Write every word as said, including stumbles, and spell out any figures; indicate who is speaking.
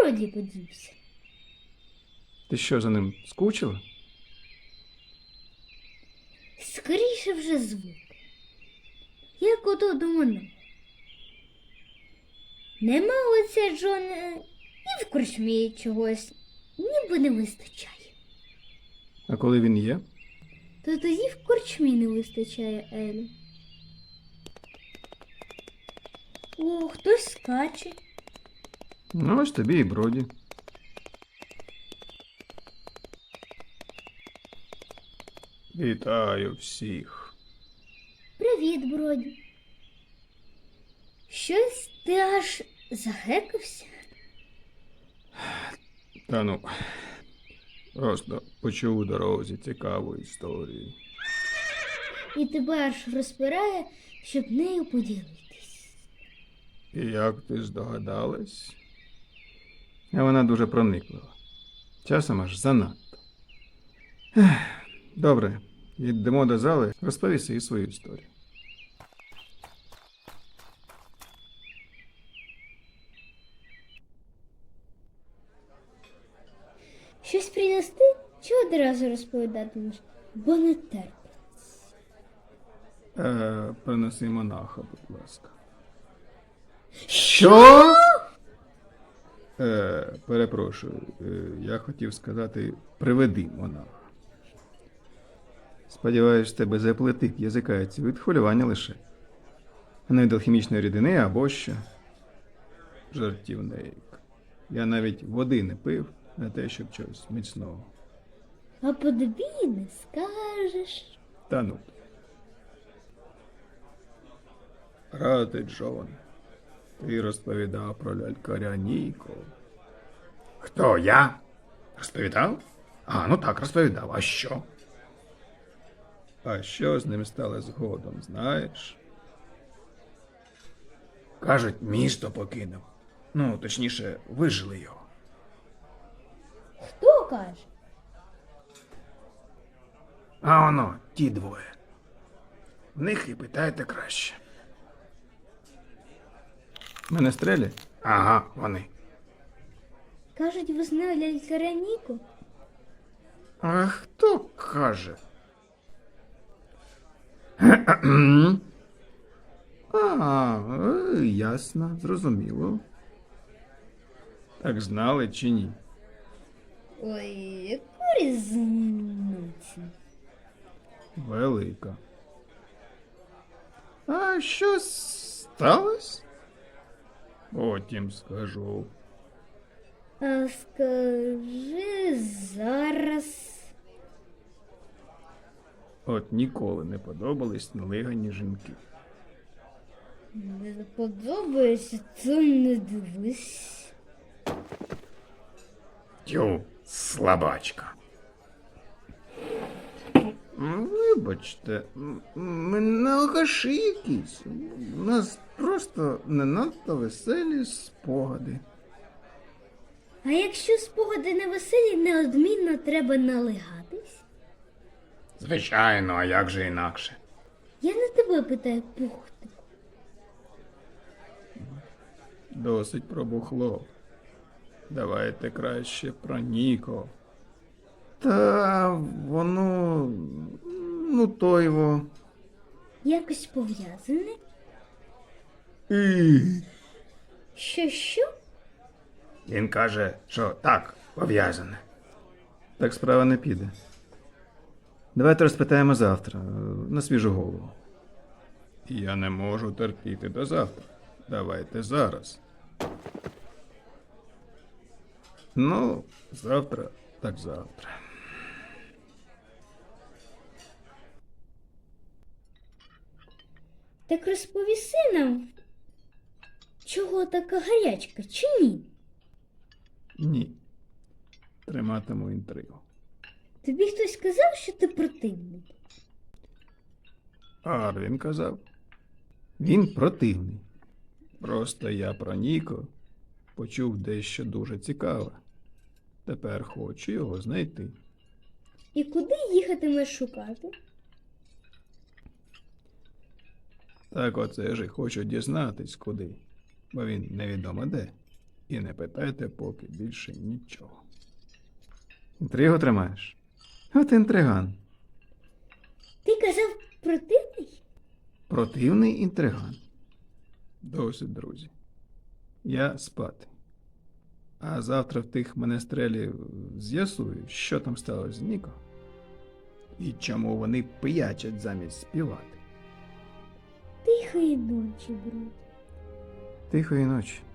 Speaker 1: Броді подівся?
Speaker 2: Ти що, за ним скучила?
Speaker 1: Скоріше вже звук. Як ото до мене. Нема оця Джона і в корчмі чогось, ніби не вистачає.
Speaker 2: А коли він є?
Speaker 1: То тоді в корчмі не вистачає Елі. О, хтось скаче.
Speaker 2: Ну, ось тобі і Броді. Вітаю всіх.
Speaker 1: Привіт, Броді. Щось ти аж загекався?
Speaker 2: Та ну, просто почув у дорозі цікаву історію.
Speaker 1: І тебе аж розпирає, щоб нею поділитись.
Speaker 2: І як ти здогадалась? А вона дуже прониклива. Часом аж занадто. Ех, добре, йдемо до зали, розповіси і свою історію.
Speaker 1: Щось принести? Чи одразу розповідатимеш? Бо не терпиться.
Speaker 2: Е, принеси монаха, будь ласка. Що? Е, перепрошую, е, я хотів сказати, приведи монаха. Сподіваюсь, тебе заплетить язикається від хвилювання лише. А не від алхімічної рідини або що. Жартівник. Я навіть води не пив на те, щоб чогось міцного.
Speaker 1: А по тобі не скажеш.
Speaker 2: Та ну. Радий, Джон. Ти розповідав про лялькаря Ніко. Хто, я? Розповідав? А, ну так, розповідав. А що? А що з ним стало згодом, знаєш? Кажуть, місто покинув. Ну, точніше, вижили його.
Speaker 1: Хто каже?
Speaker 2: А воно, ті двоє. В них і питайте краще. Менестрелі? Ага, вони.
Speaker 1: Кажуть, ви знали лялькаря Ніку?
Speaker 2: А хто каже? А, е, ясно, зрозуміло. Так знали чи ні?
Speaker 1: Ой, яку різницю?
Speaker 2: Велика. А що сталося? Потім скажу.
Speaker 1: А скажи зараз.
Speaker 2: От ніколи не подобались налигані жінки.
Speaker 1: Не подобається, то не дивись.
Speaker 2: Тю, слабачка. Вибачте, м- ми не алкаші якісь. У нас просто не надто веселі спогади.
Speaker 1: А якщо спогади не веселі, неодмінно треба налигатись?
Speaker 2: Звичайно, а як же інакше?
Speaker 1: Я не тебе питаю, пухтику.
Speaker 2: Досить про бухло. Давайте краще про Ніко. Та воно, ну то його.
Speaker 1: Якось пов'язане?
Speaker 2: І...
Speaker 1: Що, що?
Speaker 2: Він каже, що так, пов'язане. Так справа не піде. Давайте розпитаємо завтра, на свіжу голову. Я не можу терпіти до завтра. Давайте зараз. Ну, завтра, так завтра.
Speaker 1: Так розповіси нам, чого така гарячка, чи ні?
Speaker 2: Ні. Триматиму інтригу.
Speaker 1: Тобі хтось сказав, що ти противний?
Speaker 2: Арвін казав. Він противний. Просто я про Ніко почув дещо дуже цікаве. Тепер хочу його знайти.
Speaker 1: І куди їхатимеш шукати?
Speaker 2: Так оце ж і хочу дізнатись куди, бо він невідомо де. І не питайте поки більше нічого. Інтригу тримаєш? От інтриган.
Speaker 1: Ти казав противний?
Speaker 2: Противний інтриган. Досить, друзі. Я спати. А завтра в тих менестрелів з'ясую, що там сталося з Ніко. І чому вони пиячать замість співати.
Speaker 1: Тихої ночі, брат.
Speaker 2: Тихої ночі.